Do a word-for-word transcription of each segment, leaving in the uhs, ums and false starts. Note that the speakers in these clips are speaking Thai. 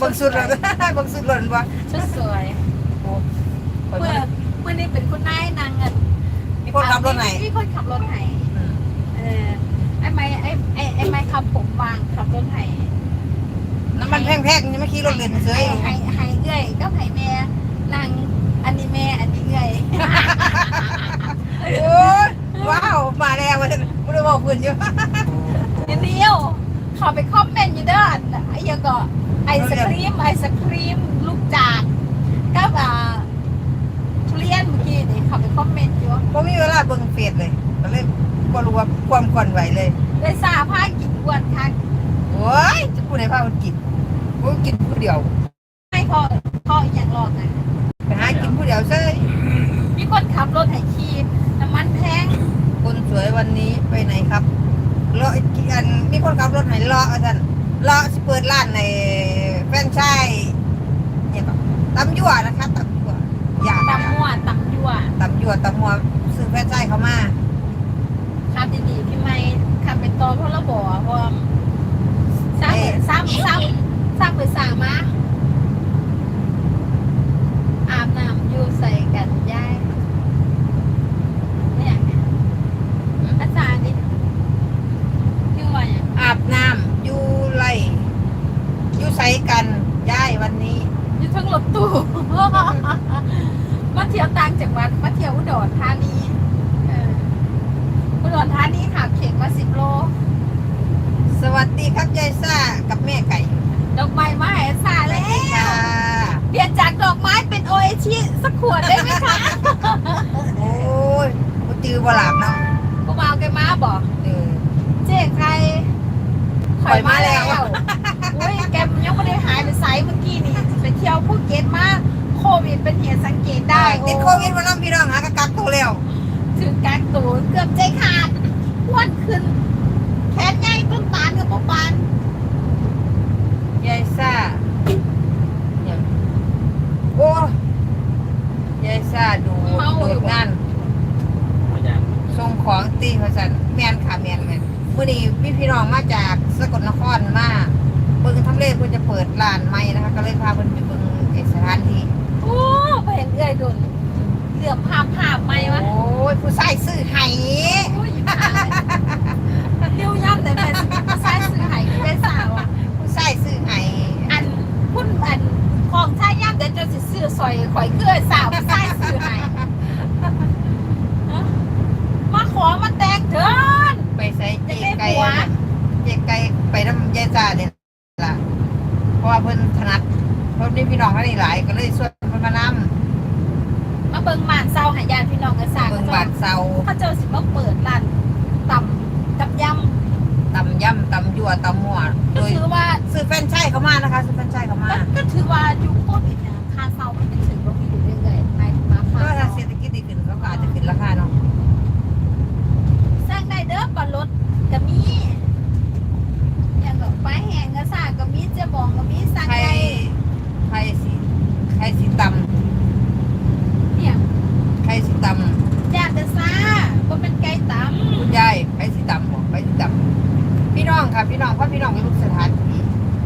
งสุดเลยเบิ่งสุดหล่นวะชุดสวยโอ้เเมื่อเมื่อนี้เป็นคุณนายนางเงินมีคนขับรถไหนมีคนขับรถไหนเออไอ้ไม้ไอ้ไอ้ไอ้ไม้ขับผมวางขับรถไหนน้ำมันแพงๆยังไม่ขี่รถเล่นเฉยไห้ไห้เอื้อยก็ไห้แม่นางอันนี้แม่อันนี้เอื้อยโอ้ยว้าวมาแล้วมาเลยไม่ได้บอกเพื่อนอยู่เดี๋ยวเขาไปคอมเมนต์อยู่เด้อไอ้ยังก็ไอศครีมไอศครีมลูกจากก็แบบทุเรียนเมื่อกี้นี่เขาไปคอมเมนต์อยู่ก็มีเวลาเบิ่งเฟซเลยก็เลยก็รู้ว่าความก่อนไหวเลยเลยซาผ้ากินอ้วนค่ะโอ้ยจะพูดในผ้ามันกินกูกินผู้เดียวไม่พอพออย่างหลอกอ่ะไปหากินผู้เดียวเซ้ยมีคนขับรถไถขี่น้ำมันแพงคนสวยวันนี้ไปไหนครับเลาะอันมีคนขับรถไหนเลาะอาจารย์เลาะสิเปิดร้านในแฟรนไชส์เนี่ยก็ตำยั่วนะคะตำยั่วอยากตำมั่วตำยั่วตำยั่วตำมัวซื้อแฟรนไชส์เขามาขับดีๆพี่ไม่ขับเป็นตัวเพราะเราบอกว่าสร้างสร้างสร้างสร้างไปสร้างมาอาบน้ำอยู่ใส่กันย่ายเนี่ยอาจารย์นี่ชื่อว่าอย่างอาบน้ำอยู่ไรอยู่ใส่กันย่ายวันนี้อยู่ทั้งรถตู้มาเที่ยวต่างจังหวัดมาเที่ยวอุดรธานีอุดรธานีขับเข็งมาสิบโลสวัสดีครับยายซ่ากับแม่ไก่ดอกไม้มาให้ซ่าแล้วเปลี่ยนจากดอกไม้เป็นโอเอชิสักขวดได้ไหมคะโอ้ยกูจือบลาบเนาะกูมาเอาแกมาบอกเจ๊ใครถอยมาแล้วอุ้ยแกยังไม่ได้หายไปไซเมื่อกี้นี่ไปเที่ยวภูเก็ตมาโควิดเป็นเหตุสังเกตได้ติดโควิดมาน้องพี่น้องหากกักตัวแล้วถึงกักตัวเกือบใจขาดอ้วนขึ้นแขนใหญ่ต้นตาลกับปปานยายซ่าโอ้ยายซ่าดูดูงานส่งของตีพสันแมนค่ะแมนแมนวันนี้พี่พี่น้องมาจากสกลนครมาเบิ่งทำเลเพื่อจะเปิดร้านใหม่นะคะก็เลยพาเพิ่นไปเบิ่งสถานที่โอ้ไปเห็นเอื้อยโดนเหลื่อมภาพภาพไหมวะโอ้ยผู้ชายซื้อไห้เลี้ยวย่ำแต่เป็นผู้ชายซื้อไห้เป็นสาวผู้ชายซื้อไห้อันพุ่นอันของชายย่ำแต่จะซื้อซอยข่อยเกลือสาวผู้ชายซื้อไห้มาขอมาแตกเถินไปใส่เจ๊ไก่เจ๊ไก่ไปน้ำยายจ่าเนี่ยล่ะเพราะว่าเพิ่นถนัดเพราะนี่พี่น้องเขานี่หลายก็เลยชวนเพิ่นมานำมาเบิ่งบ้านเซาหายาพี่น้องกันสร้างเบิ่งบ้านเซาเขาเจ้าสิมาเปิดร้านตำกับยำตำยำตำยั่วตำมั่วโดยถือว่าซื้อแฟรนไชส์เขามานะคะซื้อแฟรนไชส์เขามาก็ถือว่ายุคโควิดเนี่ยค่าเซามันเป็นถึงว่ามีอยู่เรื่อยๆไปมาค่าถ้าเศรษฐกิจดีขึ้นเขาก็อาจจะขึ้นราคาเนาะสร้างได้เด้อปลารถก็มีอย่างแบบไฟแห้งก็สร้างก็มีเจ๊บองก็มีสร้างได้ใครสีใครสีตำเนี่ยใครสีตำยาแต่ซาก็เป็นไก่ตำคุณยายใครสีตำบอกใครสีตำพี่น้องค่ะพี่น้องเพราะพี่น้องเป็นลูกสถานที่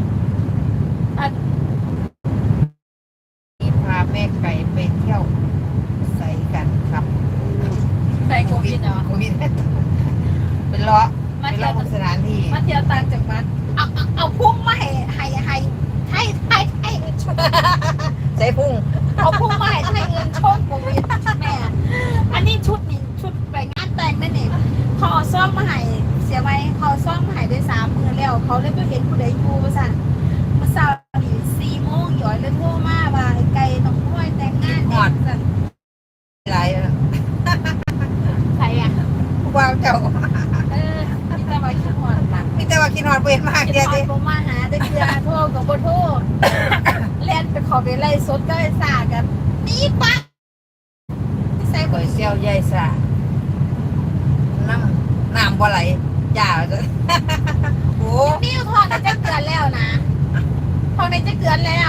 พาแม่ไก่ไปเที่ยวใส่กันครับใส่โควิดเนาะโควิดเป็นเลาะมาเที่ยวสถานที่มาเที่ยวต่างจังหวัดเอาเอาเอาพุ่งมาให้ให้ให้ให้ให้ให้ใส่พุ่งเอาพุ่งมาให้ให้เงินโชคโควิดแม่อันนี้ชุดนี้ชุดไปงานแต่งนั่นเองเขาเอาซ่อมมาให้เสียไว้เขาซ่อมมาให้ได้สามมือแล้วเขาเลยไปเห็นผู้ใดอยู่มาสั่นมาสาวนี่สี่โมงหย่อยเลยโทรมาว่าไก่ต้องห้วยแต่งงานหอดสั่นไรใครอ่ะผู้บ่าวเจ้าเออมีแต่ว่าคิดหอดหลังมีแต่ว่าคิดหอดเปมากเดียวดิผมมาหาได้เกลือโทษกับโบโทษเล่นไปขอไปไล่สดก็ไอ้สากันนี่ปะใส่ก๋วยเตี๋ยวใหญ่สาน้ำน้ำบ่ไหลจ่าจะโอ้นี่ทอดจะเกลือแล้วนะทอดจะเกลือแล้ว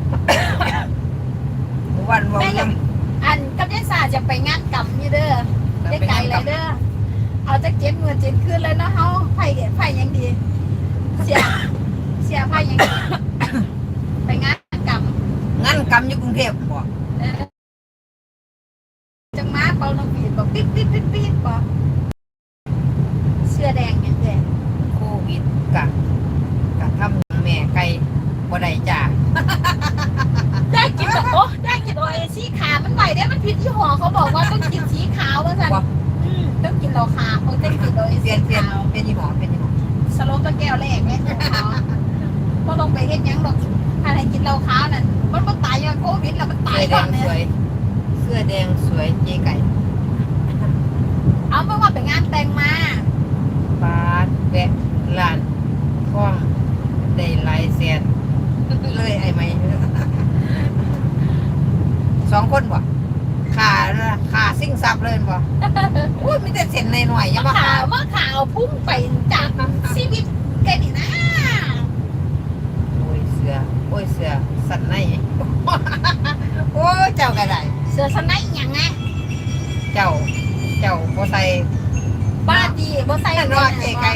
วันวันยังอันกับยายสาจะไปงานกับนี่เด้อได้ไกลเลยเด้อเอาจะเจ็ดเงินเจ็ดคืนเลยนะเฮาไผ่ไผ่ยังดีเสียเสียไผ่ยังดีไปงานกรรมงั้นกำอยู่กรุงเทพบ่เออจังมาเป่านกหวีดบอกปิ๊ดปิ๊ดปิ๊ดปิ๊ดบอกเสื้อแดงอย่างแดงโควิดกะกะทำแม่ไก่บ่ได้จ้าได้กินแบบโอ้ได้กินโอเอสีขาวมันไหวได้มันผิดที่หอเขาบอกว่าต้องกินสีขาวว่าสันอืมต้องกินเราขาวต้องกินโอเอเปสีลี่ยนเปลี่ยนขาวเป็นยี่ห้อเป็นยี่ห้อสโลปตะแก้วแรกไหมพอลงไปเฮ็ดยังดอกอะไรกินเราขาวนั่นมันมันตายอย่างโควิดแล้วมันตาเสื้ยอแดก่อนงเนี่สวย ยเสื้อแดงสวยเจ๊ไก่เอาเมื่อวานไปงานแต่งมาบาทแวะร้านท่องได้หลายแสนเลยไอ้ไหมสองคนบ่ขาขาซิ่งซับเลยบ่อุ้ยมีแต่เส้นหน่อยๆยังมะบ่ขาขาวมะขาวพุ่งไปจากชีวิตแกนี่นะโอ้ยเสือโอ้ยเสือสันใน โอ้ยเจ้าก็ได้เสือสไนอย่างไงเจ้า เจ้าบ่ใส่บ้าดีบ่ใส่นอนเก๋ไก่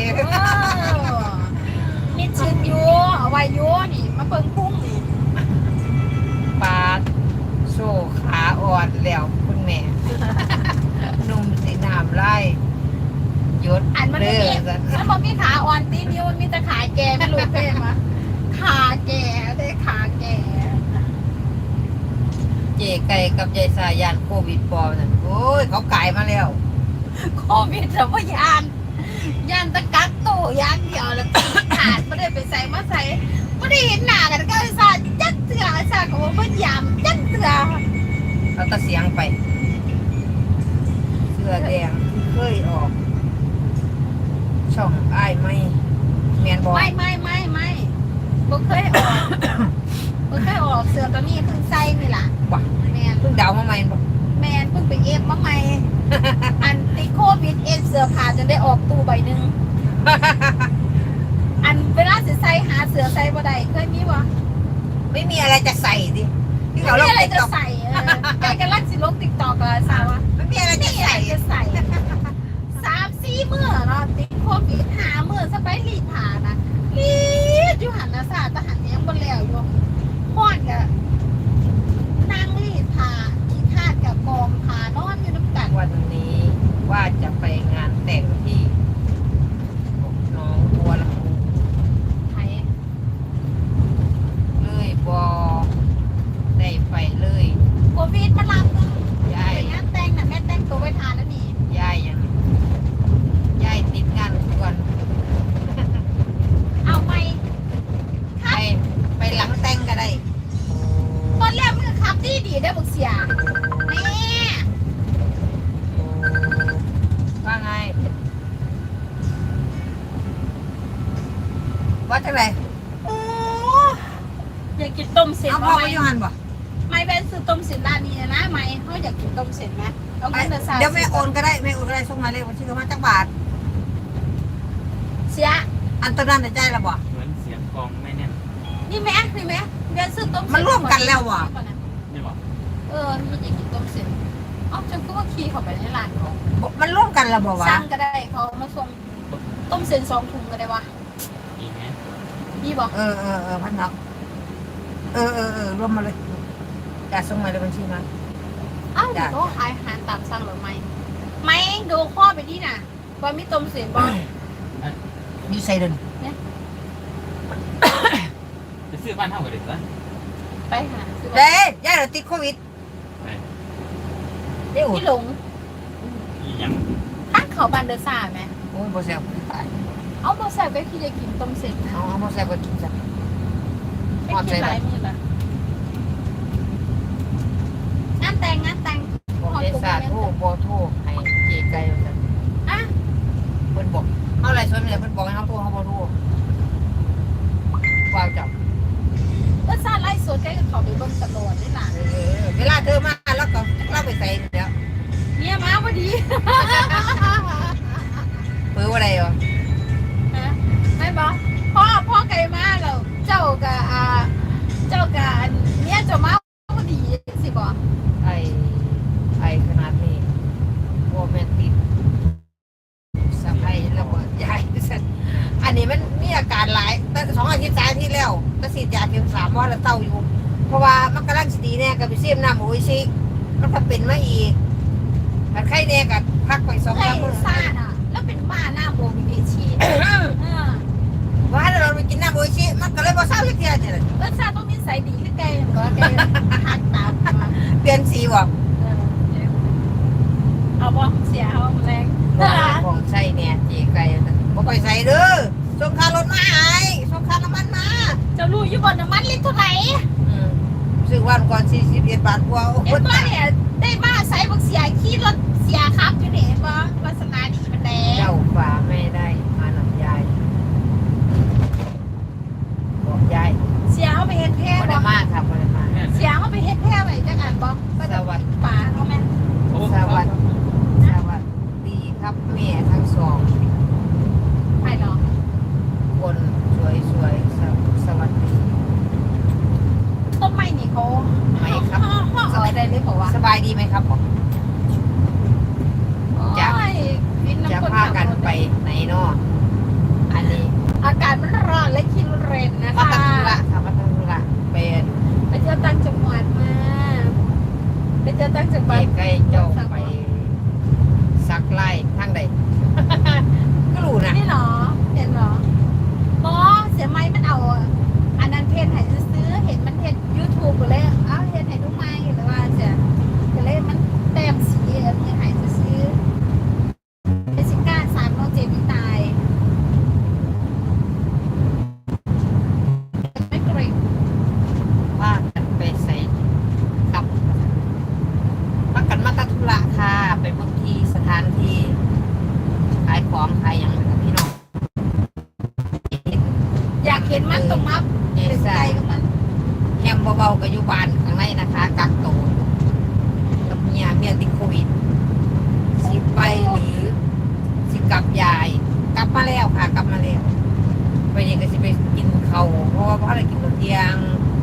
มีชื่นอยู่เอาไว้อยู่นี่มาเบิ่งพุ่งนี่ปาดโซ่ขาอ่อนแล้วคุณแม่ นุ่มสีน้ำไล่ยศอันมันเด้ไม่อมีสันมันบ่มีขาอ่อนตีนิ้วมันมีแต่ขาแก่ไม่รู้เพ่มาขาแก่ได้ขาแก่เจไก่กับยายสายานโควิดปอนั่นโอ้ยเขากายมาแล้วโควิดแต่ว่ายานยานตะกักโตยานเดียวแล้วขาดไม่ได้ไปใส่มาใส่ไม่ได้เห็นหน้ากันก็ไอ้สาจัดเสือไอ้สาก็ว่าพยายามจัดเสือเขาตะเสียงไป เสื้อแดงเคยออก ช่องอ้ายไม่แมนบอไม่ไม่ไม่ไม่บ่เคยออกบ่เคยออกเสือตัวนี้เพิ่งใส่นี่ล่ะบ่แมนเพิ่งเดามาใหม่บ่แมนเพิ่งไปเอฟมาใหม่ อันติดโควิดเอฟเสื้อผ้าจนได้ออกตู้ใบหนึ่ง อันเวลาสิใส่หาเสื้อใส่บ่ได้เคยมีบ่ไม่มีอะไรจะใส่ดิที่ไม่เขามีลงอะไรติ๊กจะต็อกใส่เออแกกำลังสิลงติ๊กต็อกอะสาวะไม่มีอะไรไม่จะมีอะไรใส่จะใส่สามสี่มื้อเนาะติดโควิดหามื้อสไปรีดผ้านะรีดอยู่หันนะสาทหารยังบ่แล้วอยู่ฮ้อนกะนั่งรีดผ้าขี้คร้าดกับกองผ้านอนอยู่น้ำกันวันนี้ว่าจะไปงานแต่งที่หน้องบัวลำพูไทยเลยบอได้ไปเลยโควิดมันรับเนาะยายไปงานแต่งน่ะแม่แต่งตัวไว้ทานแล้วนี่ยายยังยายติดงานทุกวันเอาไหมไปไปหลังแต่งก็ได้ตอนแรกมันก็ขับดีดีได้อบุกเสียแม่ว่าไง ว่าจังไรโอ้อยากกินต้มเส้นเอาพ่อไหไปมอยูหันบ่ไม่เป็นซื้อต้มเส้นร้านนี้นะไหมเขาอยากกินต้มเส้นไหมเอาไปเงินเดือนสามเดี๋ยวแม่โอนก็ได้แม่โอนก็ได้ส่งมาเลยวันที่เขามาจักบาทเสียอันตอนนั้นใจละบ่เหมือนเสียงกลองไม่แน่นนี่ไหมนี่ไหมเดือนซื้อต้มเส้นมันร่วมกันแล้วว่ะนี่บอกเออมีอยากกินต้มเส้นเอาฉันก็ว่าขี่เข้าไปในร้านเขาบ่มันร่วมกันแล้วบ่วะสั่งก็ได้เขามาส่งต้มเส้นสองถุงก็ได้วะอีกไหมพี่บอกเออเออเออพันนักเออเออเออรวมมาเลยจะส่งมาเลยบัญชีมาอ้าวเดี๋ยวเขาขายอาหารตามสั่งหรือไม่ไม่ดูข้อไปที่น่ะว่ามีต้มเส้นบ่มีไซเดนจะซื้อบ้านเท่ากันเลยปะไปหาซื้อเด้ย่าเราติดโควิดเด้อุดพี่หลงอีหยังทางเขาบานเดอร์ซ่าไหมโอ้ยบ่แซ่บตายเอาโมแซกก็คือจะกินต้มเสร็จนะเอาเอาบ่แซ่บก็กินซะไม่กินหลายมือละงานแต่งงานแต่งบ่ได้สาธุบ่โทรให้เจไก่ว่าซั่นอ่ะเพิ่นบอกเอาอะไรสวยเลยเพิ่นบอกให้เฮาโทรเฮาบ่โทรว้าวจับก็ซาไล่สดใกล้กับเขาไปเบิ่งตลอดนี่ล่ะเออเวลาเธอมาแล้วก็เราไปใส่แล้วเนี่ยมาพอดีเปื้ออะไรอ่ะฮะไม่บอกพ่อพ่อไก่มาแล้วเจ้ากับอ่าเจ้ากับเนี่ยเจ้ามาพอดีสิบอกไอ้ไอ้ขนาดนี้โอแมนติดสะพายระเบิดใหญ่สันอันอันนี้มันมีอาการหลายแต่สองอาทิตย์สามอาทิตย์แล้วก็ฉีดยาเข็มสามวันแล้วเต้าอยู่ เพราะว่ามันกำลังสิดีแน่กับไปเสียมน้ำโอ้ยชิมันก็เป็นมาอีกแต่ไข้แน่กับพักไปสองไอ้สามมื้อซ่าน่ะแล้วเป็นบ้าหน้าโบมีเอชีเออว่าเราไปกินน้ำโอ้ยชิมันก็เลยบ่เศร้าสักทีเดียวแล้วซ่าต้องนิสัยดีคือแกก็แกหักตามมาเปลี่ยนสีบ่เออเอาบ่เสียเอาแรงของใส่เนี่ยจีไก่บ่ไปใส่เด้อส่งค่ารถมาให้ส่งค่าน้ำมันมาเจ้ารู้อยู่บ่น้ำมันลิตรเท่าไหร่ซื้อวันก่อนสี่สิบเอ็ดบาทกว่าเอ็มบ้าเนี่ยได้มาใส่บักเสียขี่รถเสียครับอยู่นี่บ่วาสนาดีมันแดงเจ้าฝ่าไม่ได้มาหนับยายบอกยายเสียเอาไปเฮ็ดแพ้บ่ได้บ่มากครับบ่ได้มากเสียเอาไปเฮ็ดแพ้ไว้จังอันบ่ก็สจะวัสดีป่าเอาแม่โอ้สวัสดีสวัสดีครับแม่ทั้งสองไปเนาะคนสวยสวยๆสวสวัสดีต้นไม้นี่เขาไม่ครับเอาได้เลยบอกว่าสบายดีไหมครับผม จะโอ้ยวินจะน้ำคนพากันไปไหนเนาะอันนี้อากาศมันร้อนและคิวเรนนะมาคะตังธุระค่ะมาตังธุระเป็นไปเที่ยวต่างจังหวัดมาไปเที่ยวต่างจังหวัดใกล้ๆเจ้าไปสักไล่ทางใด ก็รู้นะนี่เหรอเห็นเหรอบอเสียไม้มันเอาอันนั้นเพจให้ซื้อเห็นมันเพจยูทูบเลยเอ้าเห็นให้ดูไม้หรือว่าจะก็เลยมันแต้มสีเออมีให้ซื้อเจสสิก้าสามน้องเจมี่ตายไม่เกรงว่ากันไปใส่กับมากันมาตังธุระค่ะไปบางทีสถานที่ขายของขายอย่างไรครับพี่น้องอยากเห็นมันตรงมับเจเป็นใจซ่ากับมันแฮมเบาๆกับอยู่บ้านข้างในนะคะกักตัวกับเมียเมียติดโควิดสิไปหรือสิกลับยาย กลับมาแล้วค่ะ กลับมาแล้วไปนี่ก็สิไปกินเขาวเพราะว่าพ่อได้กินตอนเที่ยง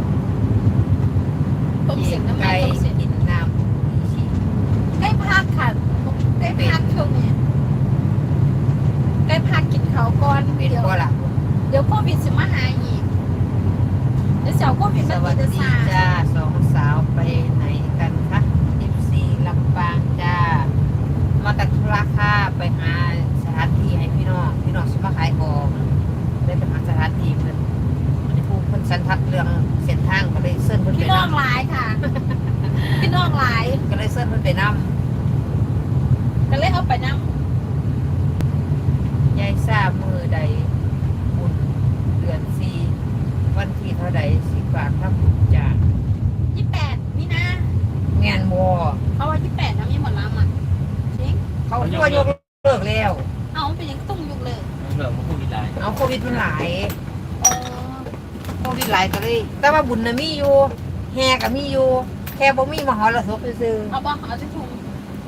ต้มเสียงน้ำมันไก่ต้มเสียงกินน้ำชีใกล้พักค่ะใกล้พักช่วงนี้ใกล้พักกินเขาวก่อนเป็นเดี๋ยวก็ล่ะเดี๋ยวโควิดสิมาหาอีกเดี๋ยวเสียวโควิดสมันวัสจะดีซาจ้าสองสาวไปไหนกันคะสิบสี่ลำปางจ้า มาตัดธุระค่ะไปหาสถานที่ให้พี่น้องพี่น้องสิมาขายของได้ไปหาสถานที่เพิ่นมันจะพูดเพิ่นสันทัดเรื่องเส้นทางก็เลยเซิร์นเพิ่นไปพี่น้องนำหลายค่ะ พี่น้องหลายก็เลยเซิร์นเพิ่นไปนก็เลยเอาไปนั่งำยายทราบมือใดบุญเดือนสี่วันที่เท่าใดสิฝากทำบุญจากยี่แปดนี่นะงานวอเพราะว่ายี่แปดนะมีหมดแล้วอ่ะจริงเขาตัวยกเลิกแล้วเอาเป็นยังตุ้งยุกเลยเหลือมาพูดอีกหลายเอาโควิดมันหลายเออโควิดหลายก็เลย แต่ว่าบุญน่ะมีอยู่แห่ก็มีอยู่แค่บ่มีมหรสพซื่อเอาบ้างเอาจะถุง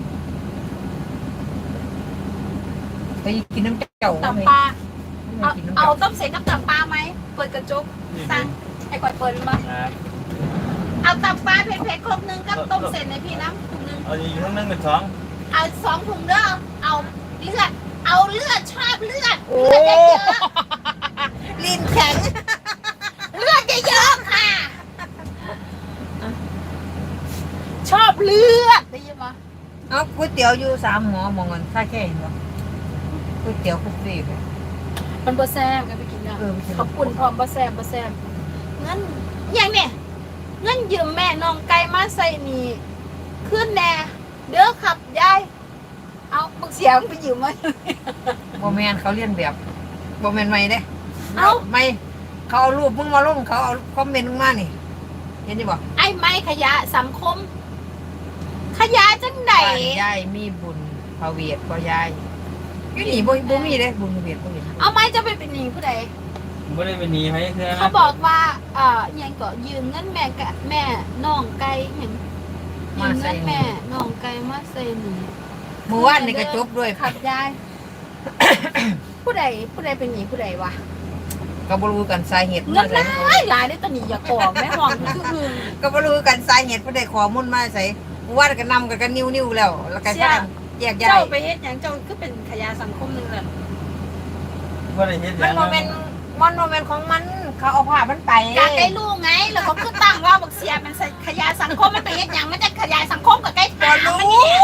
ไปกินน้ำเจ้าตับปลาไปเอากินน้ำเอาเจ้าต้มเสร็จกับตับปลาไหมเปิดกระจกสั่งไอ้ก่อยเปิดมั้งครับเอาตับปลาเผ็ดๆครบนึงกับต้มเสร็จในพี่น้ำถุงนึงเอาอีกทั้งนึงเป็นสองเอาสองถุงเด้อเอาเลือด เอาเลือดชอบเลือดโอ้เลือดเยอะลิ้นแข็งๆเลือดเยอะๆค่ะ ชอบเลือดได้ยินไหมเอาก๋วยเตี๋ยวอยู่สามหมอมองกันค่าแค่เห็นปะก๋วยเตี๋ยวคุกซี่ไปมันบะแซ่บกันไปกินเนาะเออไปกินขอบคุณพร้อมบะแซ่บบะแซ่บงั้นอย่างเนี่ยงั้นยืมแม่น้องไก่มาใส่นี่ขึ้นแน่เด้อขับยายเอาบักเสียงไปยืมมาโมแมนเขาเรียนแบบโมแมนไม่เด้เอ้าไม่เขาเอารูปมึงมาลงเขาเอาคอมเมนต์มึงมานี่เห็นดิบ่ไอ้ไม้ขยะสังคม ขยะจังไหนบ้านยายมีบุญพระเวทบ่ยายอยู่นี่บ่บ่มีเด้บุญพระเวทบ่มีเอาไม้จะไปเป็นหนี้ผู้ใดไม่ได้เป็นหนีไหมคือเขาบอกว่าเอ่อยังก็ยืมเงินแม่กะแม่น้องไก่เห็นยืมเงินแม่น้องไก่มาใส่หนีเมื่อวานนี่ก็จบด้วยขับยาย ผู้ใดผู้ใดเป็นหนีผู้ใดวะก็บ่รู้กันสาเหตุเงินหลายหลายได้ตอนนี้อย่าบอกแม่ห้องคือคือก็บ่รู้กันสาเหตุผู้ใดขอมุ่นมาใส่เมื่อวานก็นำกันกันนิ้วๆแล้ว แล้วก็พากันแยกย้าเจ้าย ไปเฮ็ดหยังเจ้าคือเป็นขยะสังคมหนึงเลยบ่บ่ได้เฮ็ดมันโมเมนต์มันโมเมนต์ของมันเขาเอาผ้ามันไปอยากได้ลูกไงแล้วเขาคือตั้งว่าบักเสียมันขยายสังคมมันไปเฮ็ดหยังมันจะขยายสังคมกับใกล้บอถามรู้มันเนี่ย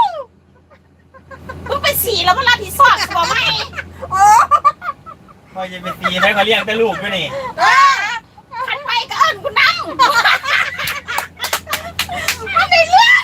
มึงไปสีแล้วก็รับผิดชอบบอกไหมโอ้พ่อจะไปตีให้เขาเลี้ยงแต่ลูกด้วยนี่ขันไปก็เอิญกูนั่งมันในเรื่อง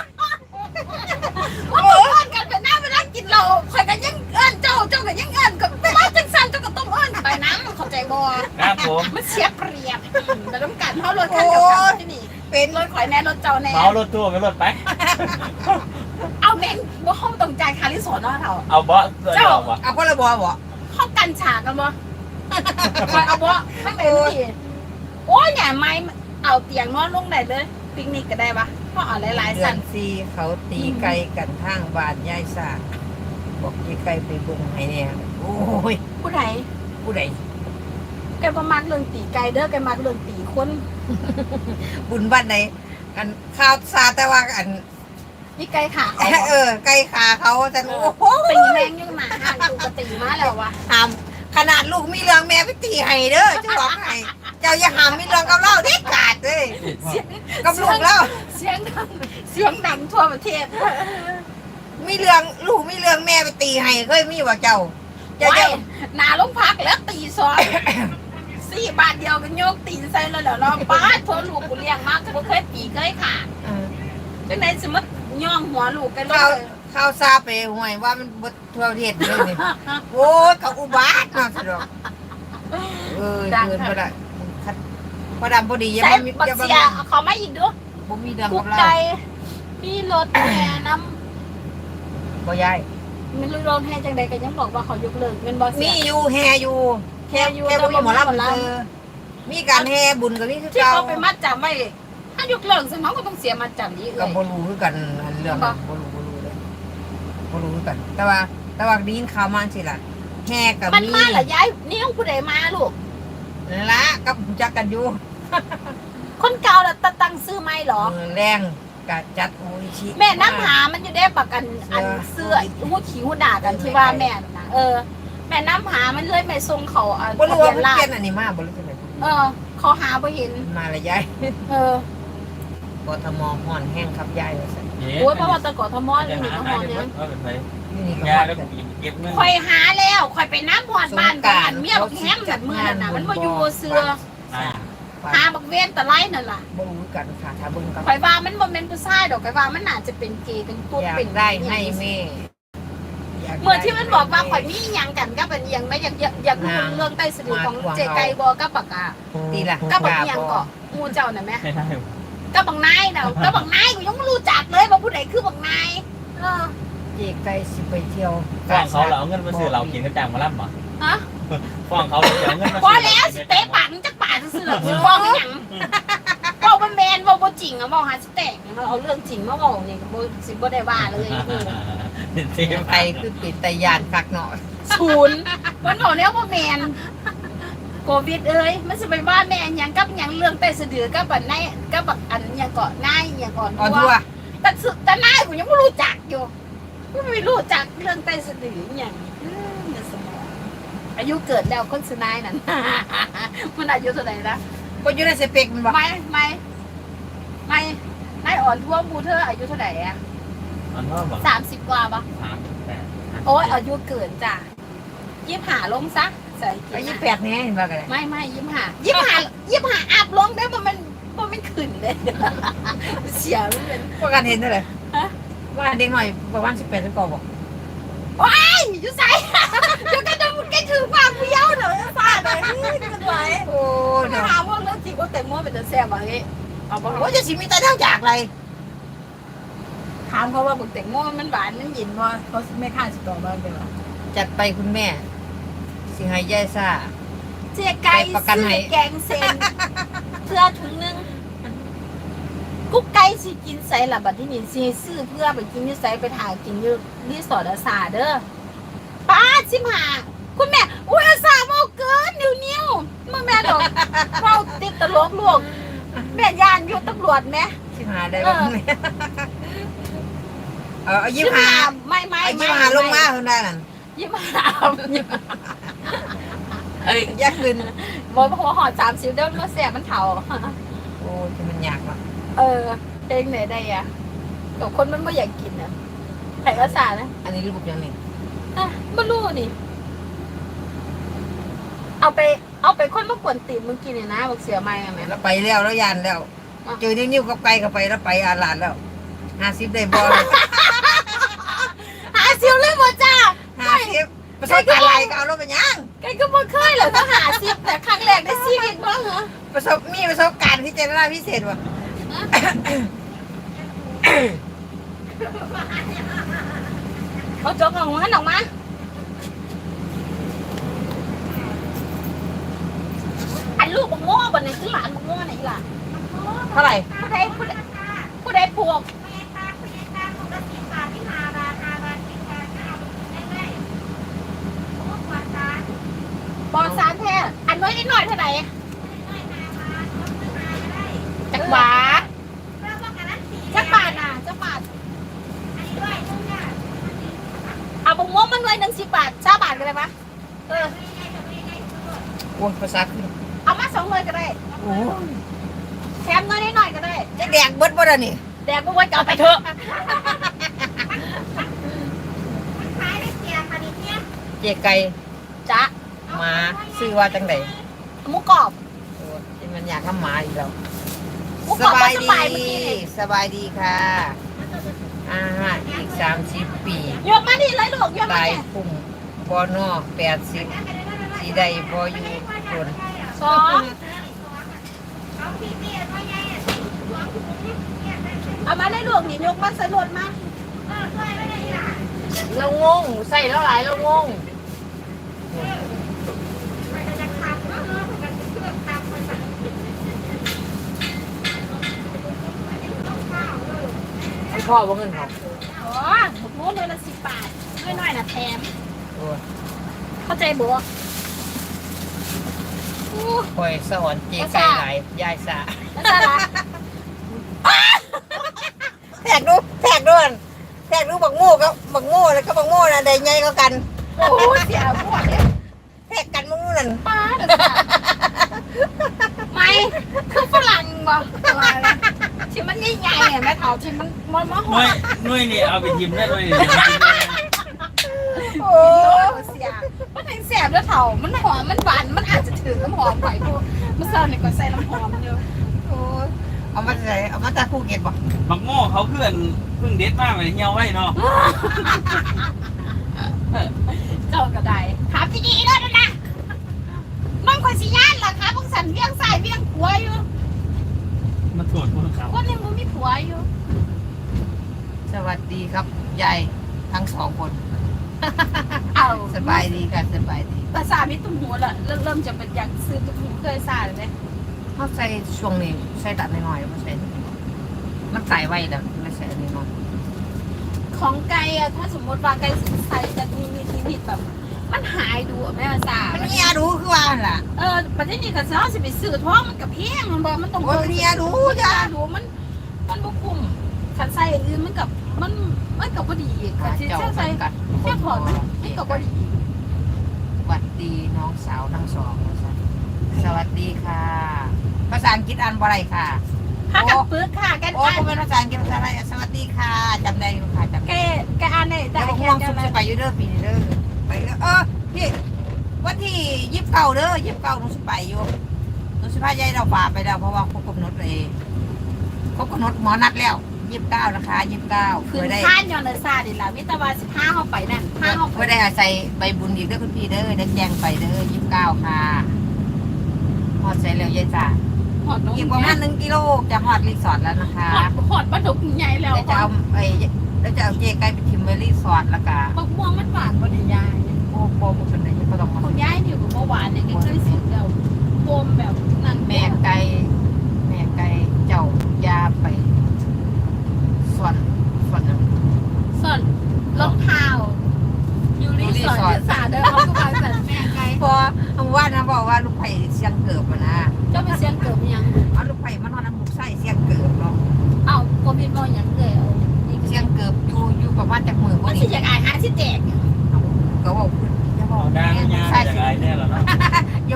ว่ามึงเอิญกันไปนั่งไปนั่งกินเหล้าคอยกันยังเอิญเจ้าเจ้ากันยังเอิญกับว่าจังสันเจ้าก็ต้องเอิญไปนั่งเข้าใจบ่ครับผมมันเสียเปรียบแต่ต้องการเพราะรถคันเดียวกันที่นี่เป็นรถข่อยแน่รถเจ้าแน่เมารถตู้ไปรถไปเอาแม่งว่าห้องตรงใจคาริสอนเนาะเถ่าเอาเบาะตัวเดียววะเอาคนละบอบ่ห้องกันฉากกันบ่คอยเอาบ่ไม่เป็นที่โอ้ยเนี่ยไม่เอาเตียงนอนลงได้เลยปิกนิกก็ได้ปะเพราะเอาหลายๆเดือสันนซีเขาตีไก่กันทางบ้านยายสาบอกยายไก่ไปเบิ่งให้เนี่ยโอ้ยผู้ใดผู้ใดแกประมาณเรื่องตีไก่เด้อแกมาเรื่องตีคนบุญบ้านไหนอันข้าวซาแต่ว่าอันนี่ไก่ขาเขาเออไก่ขาเขาแต่โอ้โหตีแมงยังหนาห่างกูก็ตีมาแล้ววะหามขนาดลูกมีเรื่องแม่ไปตีให้เด้อจะบอกให้เจ้าอย่าหามมีเรื่องกับเราเด็ดขาดเลยเสียงกับลูกเราเสียงดังเสียงดังทั่วประเทศมีเรื่องลูกมีเรื่องแม่ไปตีให้เคยมีว่าเจ้าเจ้าไว้เจ้าหนาลงพักแล้วตีซอยสี่บาทเดียวกันโยกตีใส่แล้วเหรอเราป้าโทรลูกกูเลี้ยงมากกูเคยตีเคยขาดเออจังไหนสมมติย่องหัวลูกกันเลข้าวย ข้าวซาไปห่วยว่ามันบดทั่วประเทศเลยนี่โอ้ยกับอุบาทเนาะสิดอกเออเกินไปละคัดพอดำพอดีอยังใส่ไม่มีบักอยังไม่เสียเอาเขามาอีกด้วยบ่มีเรื่องกุกักบเราไก่มีรถแห่น้บ่ยายำมันรถแห่จังใดก็ยังบอกว่าเขายกเลิกเป็นบอสมีอยู่แฮอยู่แค่อยู่แค่บ่มีหมอลำหมอลเออมีการแฮบุญกับนี่คือำที่เก่าเขาไปมัดจำไว้ถ้ายกเลิกสมองก็ต้องเสียมัดจำนี้เลก็ยบ่รู้คือกันอันเรื่องบ่บ่รู้บ่รู้เลยบ่รู้คือกัน แต่ว่าแต่ว่าได้ยินข่าวมาสิล่ะแฮกับมันมีมาเหรอยายนี่ต้องผู้ใดมาลูกละกับรู้จักกันอยู่คนเก่าแล้วตั้งซื้อไม่หรอเออแรงกะจัดโออิชิแม่น้ำหามันอยู่ได้ปากกันอันเสื้อหูขี้หูด่ากันที่ว่าแม่น่ะเออ แม่น้ำหามันเลยไม่ทรงเขาอ่ะบ่รู้ว่าทะเพิ่นเบียนราเปลี่ยษนอันนี้มาบ่รู้จังได๋เออเขาหาไปเห็นมาละยายเออกทมฮ้อนแห้งครับยายว่าซั่นโอ้ยเพราะว่าแตะกอทมอนี่นี่ก็หอนเนี่ยเอาเป็นไปอยู่นี่ก็ยาฮ้อนแล้วกันเก็บเงินคอยหาแล้วคอยไปน้ำหอดบ้านบ้านเมียบักแฮมนั่นเมื่อนั้นน่ะมันมาอยู่เสือหาบักเว้นตะไลนั่นล่ะบ่รู้กันค่ะถ้าเบิ่งกับคอยว่ามันบ่แม่นผู้ชายดอกคอยว่ามันน่าจะเป็นเกย์เป็นตุ๊ดอยากเป็นได้ให้แม่ยากได้เหมือนที่มันบอกว่าข่อยมีอิหยังกันก็เป็นอิหยังไม่อยากอยากอยากรู้เรื่องใต้สะดือของเจไก่บ่กับปากกาตีล่ะก็บักอิหยังเกาะงูเจ้าน่ะแม่ไม่ได้ก็บักนายน่ะก็บักนายกูยังไม่รู้จักเลยว่าผู้ใดคือบักนายเออเจไก่สิไปเที่ยวฟ้องเขาเราเอาเงินมาซื้อเรากินกระจังมาล่ำเหรอฮะฟ้องเขาเราเอาเงินมาพอแล้วสิเตะปากมันจักปากซื่อๆหรอกสิฟ้องอีหยังบอกว่าแมนบอกว่าจริงอะบอกหาสิแตกเราเอาเรื่องจริงมาบอกนี่ก็บ่สิบ่ได้ว่าเลยกูเสียไปคือปิดแต่ยานคักเนาะศูนย์มันบอกแล้วว่าแมนโควิดเอ้ยมันสิไปว่าแม่นหยังกับหยังเรื่องใต้สะดือกับบักนายกับบักอันหยังเกาะนายหยังก่อนอ่อนทั่วแต่สุดแต่นายกูยังไม่รู้จักอยู่กูไม่รู้จักเรื่องใต้สะดืออหย่างอืมในสมองอายุเกิดแล้วคนสนายนั่น มันอายุเท่าไหร่ละบ่อยู่ในสเปกมันบ่ไม่ไม่ไม่นายอ่อนทั่วมูเธออายุเท่าไหร่อะมันว่าบอกสามสิบกว่าปะสามแปดโอ้ยอายุเกินจ้ะยี่หาลงซะใส่อายุแปดแน่เห็นบ่กันไม่ไม่ยี่หายี่หายี่หาอัพลงได้บ่มันบ่มันขึ้นเลย เสียมันเป็นพวกกันเห็นเท่าไหร่ฮะว่าเด็กหน่อยประมาณสิบแปดสิบเก้าบ่ว้ายอยู่ใส่ เดี๋ยวก็จะมุดใกล้ถึงความเบี้ยวเดี๋ยวจะฟาดเลยนี่กันไว้โอ้ยจะเนาะถามว่าเรื่องจริงว่าแต่งโมเป็นจะแซ่บอะไรเอาบ่โอ้ยจะสิมีแต่ทางจากไรถามเขาว่าบุกแต่งโมมันหวานมันหยินว่าเขาไม่ค่าสิต่อบ้านเป็นหรอจัดไปคุณแม่ สิให้ยายซ่าเจ๊ไก่ไปประกันซื้ให้อแกงเซนเพื่อถุงนึงกุ๊กไก่สิกินใส่ละบัดที่นี่สิซื้อเพื่อไปกินที่ใส่ไปถ่ายกินอยู่รีสอร์ทอาสาเด้อป้าชิมหาคุณแม่อุ้ยอาสาเมาเกินนิ้วนิ้วมาแม่ดอกเราติดตลกลวกแม่ยานอยู่ตำรวจไหมสิหาได้บ่คุณแม่เออเอายิ้มหาไม่ไม่เอาไม่ยิ้มหาลงมาเพิ่นได้นั่นยิ้มหายิ้มหาเอ้ยอยากขึ้นบนหัวหอดสามสิบเดิมมาเสียมันเถาโอ้ที่มันยากว่ะเออเพลงไหนได้อะกับคนมันไม่อยากกินนะไผ่ภาษานะอันนี้รูปยังนี่อ่ะไม่รู้นี่เอาไปเอาไปคนมากวนตีนมึงกินเนี่ยนะบอกเสียไม่อะแม่แล้วไปแล้วแล้วยันแล้ว เจอนิ้วๆกับไกลกับไปแล้วไปอาลาดแล้วห้าสิบได้บอลหาซิวเลยหมดจ้าห้าสิบประสบการณ์อะไรก็เอารถไปยังแกก็บ่เคยเหรอถ้าหาซิวแต่ครั้งแรกในชีวิตบ้างเหรอประสบมีประสบการณ์ที่เจรนาพิเศษว่ะเอาจกออกมาออกมาอันลูกบังโง่บนในคือหลานบังโง่ไหนล่ะเท่าไหร่ผู้ใดผู้ใดผู้ใดผูกบอสารแท้อันน้อยนิดหน่อยเท่าไหร่จักหวาจักบาทน่ะจักบาทเอาบังโง่มันไว้หนึ่งสิบบาทชาบาทกันเลยปะเออโอ้ยภาษาขึ้นเอามาสองเลยก็ได้โอ้ยแถมน้อยนิดหน่อยก็ได้จะแดกเบิดบ่ได้นี่แดกบังโง่จะเอาไปเถอะเจ๊ไก่จ้ะหมาซื้อว่าจังไดหมูกรอบโอ้ยที่มันอยากน้ำหมาอีกแล้วหมูสกรอบบายสดีบายเมื่อกี้นี่สบายดีค่ะอ่าอีกสามสิบปียกมาดิเลยลูกยกมาตายเนี่ยพุ่งบอนอแปดสิบสีใดบออยู่คนสองเอามาได้ลูกนี่ยกมาใส่รถมาเรางงใส่แล้วหลายเรางงให้พ่อว่าเงินเขาโอ้หมูเลยละสิบบาทน้อยๆนะแถมโอ้ยเข้าใจบัวคอยสอนเจ๊ไก่หลายยายสาแล้วจ้าละแทกดูแทกด้วยแทกดูบักโง่ก็บักโง่แล้วก็บักโง่นะได้ไงก็กันโอ้เสียพวกเนี่ยแทกกันบักโง่นั่นป้าเดี๋ยวจ้ะไม่คือฝรั่งบ่อะไรนะที่มันใหญ่ๆเนี่ยแม่เถาที่มันมันมันหน่วยหน่วยนี่เอาไปทิมได้ด้วยนี่โอ้เสียมันแห้งแสบแล้วเถามันหอมมันหวานมันอาจจะถึงน้ำหอมไหวพวกมันเสิร์ฟเนี่ยก็ใส่น้ำหอมเยอะโอ้ยเอามาใส่เอามาจากภูเก็ตบ่บักโม่เขาเพื่อนเพิ่งเด็ดมากเลยเหี่ยวไว้เนาะเจ้าก็ได้ครับที่นี่แล้วนะมันคนสิย่านล่ะครับพวกสันเวียงใส่เวียงผัวอยู่มาตรวจคนเขาคนยังบ่มีผัวอยู่สวัสดีครับยายทั้งสองคนเอาสบายดีค่ะสบายดีภาษามีตุ้มหัวละเริ่มเริ่มจะเป็นอยากซื้อตุ้มหูเคยสาเลยเขาใส่ช่วงนี้ใส่ตัดน้อยๆไม่ใส่มันใส่ไว้แล้วไม่ใส่อันนี้น้อยของไก่อะถ้าสมมติว่าไก่ใส่จะมีมีทีผิดแบบ มันหายดูอะแม่ภาษามันเนียดูคือว่าหั่นล่ะเออประเทศนี้ก็ซ้อสิไปซื้อท้องมันกับเพียงมันบอกมันต้องโอ้ยมันเนียดูจ้าดูมันมันบุคุ้มขันใส่อื่นมันกับมันมันกับพอดีขันที่เจ้าเช่าใส่กันแค่ถอดมันมันกับพอดีสวัสดีน้องสาวทั้งสองสวัสดีค่ะ ภาษาอังกฤษอ่านว่าอะไรค่ะถ้ากันปึกค่ะแกโอ้อ่านผมเป็นภาษาอังกฤษภาษาอะไรสวัสดีค่ะจำได้อยู่ค่ะจำแกได้แกอ่านได้แต่แต่ผมแกมองจะสุดมาจะไปอยู่เด้อปีนี้เด้อไปเด้อเออพี่วันที่ยิบเก่าเด้อยิบเก่าหนูสิไปอยู่หนูสิพายายเราป่าไปแล้วเพราะว่าครบกำหนดเลยครบกำหนดหมอนัดแล้วยิบเก้านะคะยิบเก้าคืเพื่ออได้ท่านยอนเดอร์ซาดิล่ะมิตรวาสิบห้าเข้าไปนั่นห้าเข้าไปเพื่อได้อาศัยใบบุญอีกเด้อคุณพี่เด้อได้แจ้งไปเด้อยิบเก้าค่ะหอดใส่เร็วยายจ๋าหอดนกอีกประมาณหนึ่งกิโลจะหอดรีสอร์ทแล้วนะคะหอดหอดปลาดุกใหญ่แล้วแล้วจะเอาไอ้แล้วจะเอาเจไก่ไปทิมไว้รีสอร์ทแล้วก็มะม่วงมันหวานกว่าดียายโอ้โหมันเป็นอะไรก็ต้องมาคุณยายนี่กับเมื่อวานเนี่ยก็เคยสุดแล้วโฟมแบบนั่นแม่ไก่แม่ไก่เจ้ายาไปส่วนส่วนหนึ่งส่วนรองเท้าอยู่รีสอร์ทที่สาเดินเขาก็มาสั่นแม่ไกลพอว่านะบอกว่าลูกไผ่เสียงเกิบมานะเจ้าไปเสียงเกิดยังเอาลูกไผ่มานอนน้ำลูกไส้เสียงเกิบเนาะเอ้าโควิดบ่ยังเลยเอานี่เสียงเกิบอยู่อยู่ประมาณจากมือมัวัน นสินี้อยากอายหาสิแตกก็บอกอย่าบอกเอาด้านแม่ยาใช่จากสิไรแน่แล้วเนาะ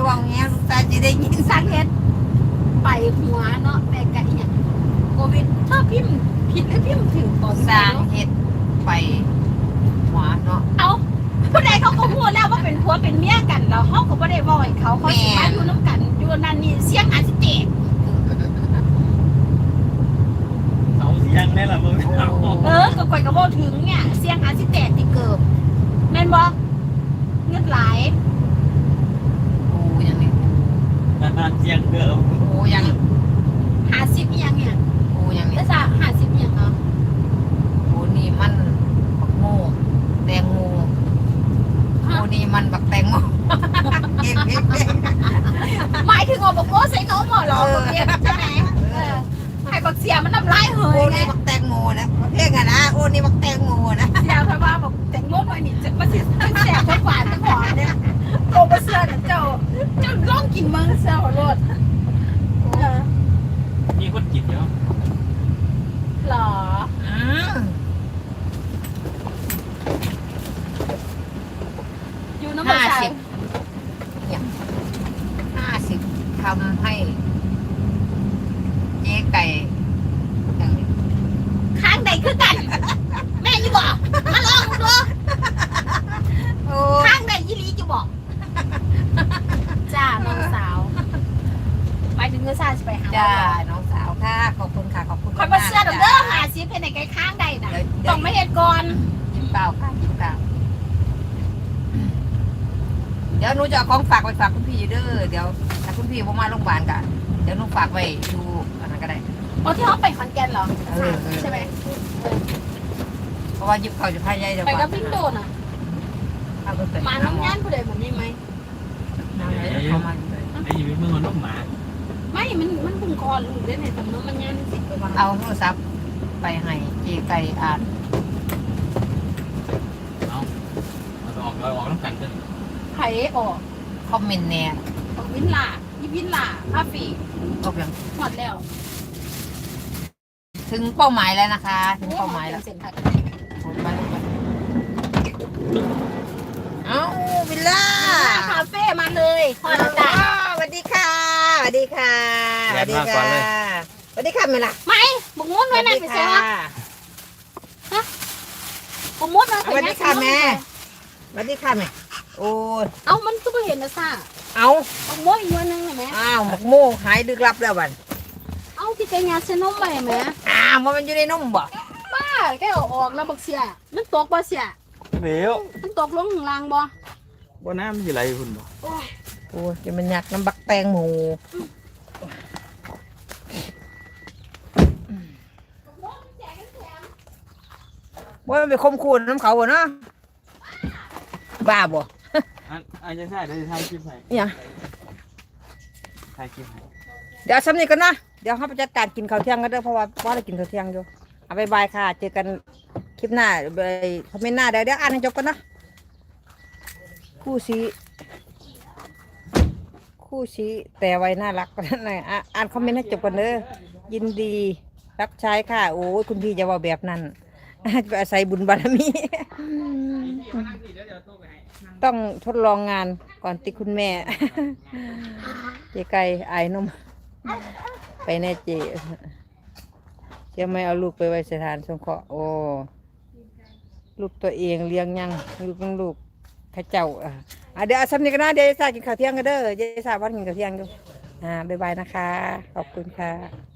ได้ยินสร้างเฮ็ดไปหัวเนาะแม่กะอีหยังโควิดถ้าพิมพ์ผิดหรือพิมพ์ถึงก่อนสร้างเฮ็ดไปหัวเนาะเอาผู้ใดเขาก็พูดแล้วว่าเป็นผัวเป็นเมียกันแล้วเขาก็บ่ได้บอกให้เขาเขาสิมาอยู่น้ำกันอยู่นั่นนี่เสียงอาจสิเตะเขาเสียงได้ละมึงเอาเออก็ก่อยก็บ่ถึงเนี่ยเสียงอาจสิเตะติเกิบแม่นบ่เงินหลายโอ้ยังนี่เสียงเดิมโอ้ยังห้าสิบอีหยังเนี่ยโอ้ยังนี่แล้วจะห้าสิบอีหยังเนาะโอ้นี่มันบักโม่แตงโมโอ้นี่มันบักแตงโมเก็บเก็บเก็บหมายถึงว่าบอกว่าใส่นมเหรอบอกเรียนใช่ไหมเออให้บักเสียมันน้ำลายเหโอ้ยไงนี่บักแตงโมนะเพลงอะนะโอ้นี่บักแตงโมนะเสียเพราะว่าบอกแต่งโมหน่อยนี่จะมาเสียทั้งเสียทั้งหวานทั้งหอมเนี่ยโตมาเสื้อน่ะเจ้าเจ้าร้องกินเมืองเสื้อหัวรถเออมีคนจิตเยอะหรออืมอยู่น้ำมันห้าใสสิบเนี่ยห้าสิบทำให้เจ๊ไก่อย่างนี้ข้างใดคือกัน แม่ยี่บอกมาลองดูโอ้ข้างใดยี่ลีจะบอกจ้าน้องสาวหมายถึงเงือซาจะไปหาจ้าน้องสาวค่ะขอบคุณค่ะขอบคุณคอยมาเสื้อดอกเด้อหาซิปให้ในไกลข้างใดน่ะต้องไม่เห็นก่อนยิ้มเปล่าค่ะยิ้มเปล่าเดี๋ยวหนูจะเอาของฝากไปฝากคุณพี่อยู่เด้อเดี๋ยวถ้าคุณพี่ผมมาโรงพยาบาลกันเดี๋ยวหนูฝากไว้ดูอันนั้นก็ได้อ๋อที่เขาไปขอนแก่นเหรอเออเออใช่ไหมเพราะว่ายิบเขาจะพายใหญ่เดี๋ยวไปก่อนกับวิ่งโดนอ่ะเอาไปเปิดมาน้ำงานผู้ใดแบบนี้ไหมน้ำไหนเดี๋ยวเขามาอยู่เลยไอ้อยู่ในมือมันลูกหมาไม่มันมันพุ่งคอลูกได้ในตำนวนมันงานสิไปมาเอาโทรศัพท์ไปให้เจไก่อ่านเอาเอาออกเอาออกน้ำกันกันไผ่ออกคอมเมนต์แน่ออกวินลายี่วินลาคาฟีก็เพียงหมดแล้วถึงเป้าหมายแล้วนะคะ ถึงเป้าหมายแล้วเซ็นทรัลไปไปเอาวิลล่าคาเฟ่มาเลยพอแล้วจ้ะสวัสดีค่ะสวัสดีค่ะสวัสดีค่ะสวัสดีค่ะเมล่ะไม่บุกมุดไว้นั่นไปเสียวะบุกมุดไว้สวัสดีค่ะแม่สวัสดีค่ะแม่โอ้ยเอ้ามันก็ไม่เห็นนะซ่าเอาบุกมุดอีกวันนึงเห็นไหมอ้าวหมกโม่หายดึกลับแล้วบันเอ้าที่แกยาเซนมไปไหมอ้าวมันอยู่ในนมบ่ป้าแกเอาออกแล้วบักเสียมันตกบ่เสียเดี๋ยวมันตกลงข้างล่างบ่บนน้ำอยู่ไรคุณบอกโอ้ยโอ้ยจะมันอยากน้ำบักแตงหมูว่ามันไปคมคูนน้ำเขาบ่เนาะบ้าบ่อันอันจะใช่เดี๋ยวจะถ่ายคลิปให้เนี่ยถ่ายคลิปให้เดี๋ยวสำนีกันนะเดี๋ยวเขาไปจัดการกินข้าวเที่ยงกันเด้อเพราะว่าว่าเรากินข้าวเที่ยงอยู่เอาบายบายค่ะ เจอกันคลิปหน้าไปคอมเมนต์หน้าเดี๋ยวเดี๋ยวอ่านให้จบกันนะคู่ซีคู่ซีแต่ไว้น่ารักกันนะอ่ะอ่านคอมเมนต์ให้จบกันเด้อยินดีรับใช้ค่ะโอ้ยคุณพี่จะว่าแบบนั้น ไปอาศัยบุญบารมี ต้องทดลองงานก่อนติคุณแม่ เจไก่ไอ้นม ไปแน่เจจะไม่เอาลูกไปไว้สถานสงเคราะห์โอ้ลูกตัวเองเลี้ยงยังลูกต้องลูกข้าเจ้าอ่ะอ่ะเดี๋ยวเอาสำนึกกันนะเดี๋ยวจะสากินข้าวเที่ยงกันเด้อเดี๋ยวจะสาวันกินข้าวเที่ยงดูอ่าบ๊ายบายนะคะ ขอบคุณค่ะ